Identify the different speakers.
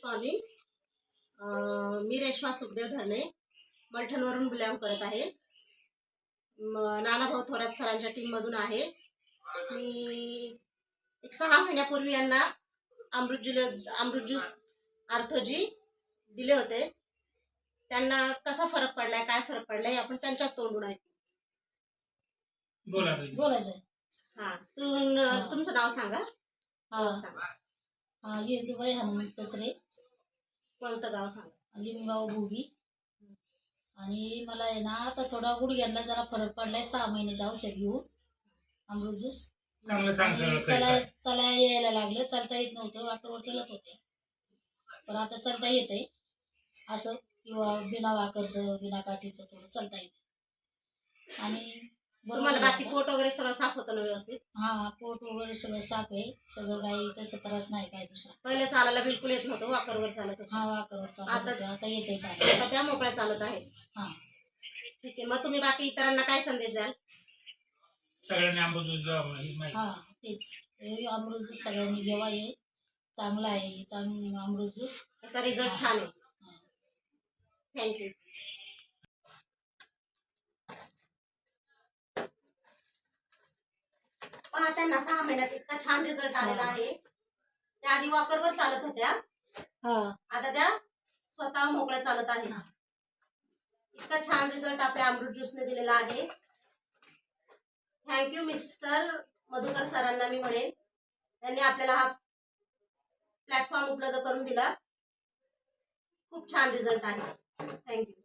Speaker 1: Good morning. मी रेश्मा सुखदेव धरणे मलठणवरून belong करत आहे. नानाभाऊ थोरात सरांच्या टीममधून आहे. मी 6 महिन्यापूर्वी यांना अमृत ज्यूस आर्थोजी दिले होते. त्यांना कसा फरक पडलाय, काय फरक पडलाय आपण त्यांच्याच तोंडून ऐकू.
Speaker 2: बोलायचं.
Speaker 1: हां, तुमचं नाव सांगा.
Speaker 2: येदुबाई हनुमंत कचरे.
Speaker 1: कोणतं गाव सांगा?
Speaker 2: लिंबगाव भोगी. आणि मला आहे ना आता थोडा गुडघ्यांना जरा फरक पडलाय. 6 महिन्याचं औषध घेऊन अमृत ज्यूस चला यायला लागलं. चालता येत नव्हतं, वाकरवर चलत होते, पण आता चालता येतंय असं, किंवा बिना वाकरचं बिना काठीचं थोडं चालता येतं. आणि
Speaker 1: तुम्हाला बाकी पोट वगैरे सगळं साफ होतं ना व्यवस्थित?
Speaker 2: हा, पोट वगैरे सगळं साफ आहे. सगळं काही तसं त्रास नाही काय दुसरा.
Speaker 1: पहिले चालायला बिलकुल येत नव्हतं, वाकरवर चालत होतं.
Speaker 2: हा, वाकरवर चालत होतं, आता येते चालत.
Speaker 1: आता त्या मोकळ्या चालत आहेत.
Speaker 2: हा,
Speaker 1: ठीक आहे. मग तुम्ही बाकी इतरांना काय संदेश द्याल?
Speaker 3: सगळ्यांनी अमृत ज्यूस.
Speaker 2: हा, तेच अमृत ज्यूस सगळ्यांनी घ्यावा. हे चांगला आहे, अमृत ज्यूस.
Speaker 1: त्याचा रिझल्ट छान आहे. थँक्यू. पहा, त्यांना 6 महिन्यात इतका छान रिझल्ट आलेला आहे. त्या आधी वॉकरवर चालत होत्या, आता त्या स्वतः मोकळ्या चालत आहेत. इतका छान रिझल्ट आपल्या अमृत ज्यूसने दिलेला आहे. थँक्यू मिस्टर मधुकर सरांना मी म्हणेन, त्यांनी आपल्याला हा प्लॅटफॉर्म उपलब्ध करून दिला. खूप छान रिझल्ट आहे. थँक्यू.